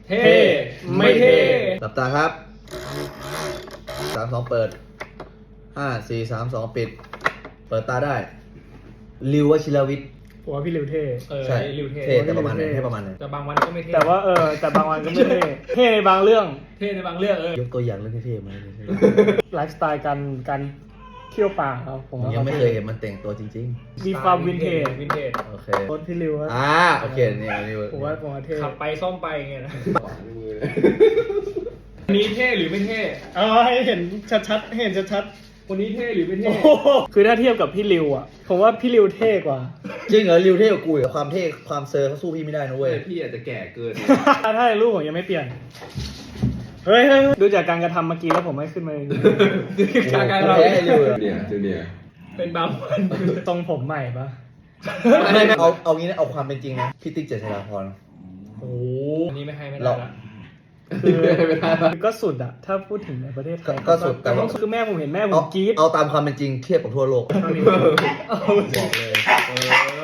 เท่ไม่เท่หลับตาครับ3-2เปิด5-4-3-2ปิดเปิดตาได้ริววชิรวิทย์ผมว่าพี่ริวเท่ใช่ริวเท่เท่แต่ประมาณไหนให้ประมาณไหนแต่บางวันก็ไม่เท่แต่ว่าแต่บางวันก็ไม่เท่เท่ในบางเรื่องเท่ในบางเรื่องยกตัวอย่างเรื่องเท่ๆมาเลยไลฟ์สไตล์การเที่ยวป่าครับผมว่ายังไม่เคยเห็นมันแต่งตัวจริงมีความวินเทจๆโอเครถพี่ริวอะโอเคนี่นี่ผมว่าเท่ขับไปซ่อมไปไงนะอันนี้เท่หรือไม่เท่เอาให้เห็นชัดๆให้เห็นชัดคนนี้เท่หรือไม่ๆเท่คือถ้าเทียบกับพี่ริวอ่ะผมว่าพี่ริวเท่กว่าจริงเหรอริวเท่กว่ากูอีกความเท่ความเซอร์เขาสู้พี่ไม่ได้นะเว้ยพี่อาจจะแก่เกินถ้าในรูปผมยังไม่เปลี่ยนเฮ้ยดูจากการกระทำเมื่อกี้แล้วผมไม่ขึ้นมาเลยการเราแพ้ริวเลยเนี่ยจูเนียร์เป็นบางวันตรงผมใหม่ปะไม่เอางี้นะเอาความเป็นจริงนะพี่ติ๊กเจษฎาพรโอ้อันนี้ไม่ให้ไม่ได้ละคือก็สุดอะถ้าพูดถึงในประเทศไทยก็สุดแต่ว่าคือแม่ผมเห็นแม่ผมกรี๊ดเอาตามความเป็นจริงเทียบกับทั่วโลกเท่านี้บอกเลย